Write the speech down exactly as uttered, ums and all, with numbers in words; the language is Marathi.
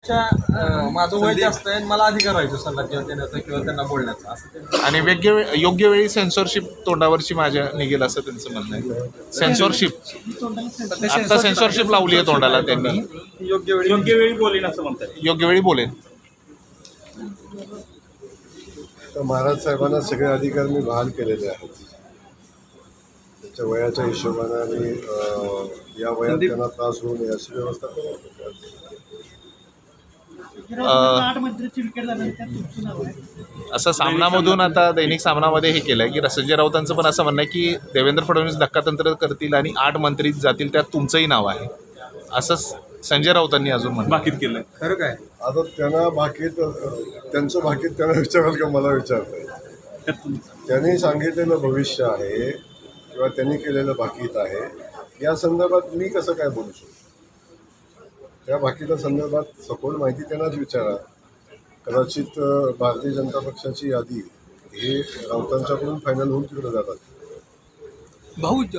अं, माझं वय जास्त आहे आणि मला अधिकार व्हायचं सल्ला किंवा देण्याचा किंवा त्यांना बोलण्याचा असं ते आणि योग्य वे- योग्य वेळी सेन्सॉरशिप तोंडावरची माझ्या निघेल असं त्यांचं म्हणणं आहे. सेन्सॉरशिप आता सेन्सॉरशिप लावली आहे तोंडाला त्यांनी. योग्य वेळी योग्य वेळी बोलेन असं म्हणतात. योग्य वेळी बोलेन. तर महाराज साहेबांना सगळे अधिकार मी बहाल केलेले आहेत. त्यांच्या वयाच्या हिशोबाने आणि अं, या वयात त्यांना त्रास होऊ नये अशी व्यवस्था करत आठ मंत्र्यांची विकेट झाल्यानंतर तुमचं नाव आहे. असं सामनामधून आता दैनिक सामनामध्ये हे केलं आहे की संजय राऊतांचं पण असं म्हणणं आहे की देवेंद्र फडणवीस धक्कातंत्र करतील आणि आठ मंत्री जातील त्यात तुमचंही नाव आहे असं संजय राऊतांनी अजून म्हणलं. बाकीत केलंय. खरं काय आता त्यांना भाकीत त्यांचं भाकीत त्यांना विचाराल का मला विचारताय. त्यांनी सांगितलेलं भविष्य आहे किंवा त्यांनी केलेलं भाकीत आहे या संदर्भात मी कसं काय बोलू शकतो. त्या भाकीच्या संदर्भात सखोल माहिती त्यांनाच विचारा. कदाचित भारतीय जनता पक्षाची यादी हे राऊतांच्याकडून फायनल होऊन तिकडे जातात. भाऊ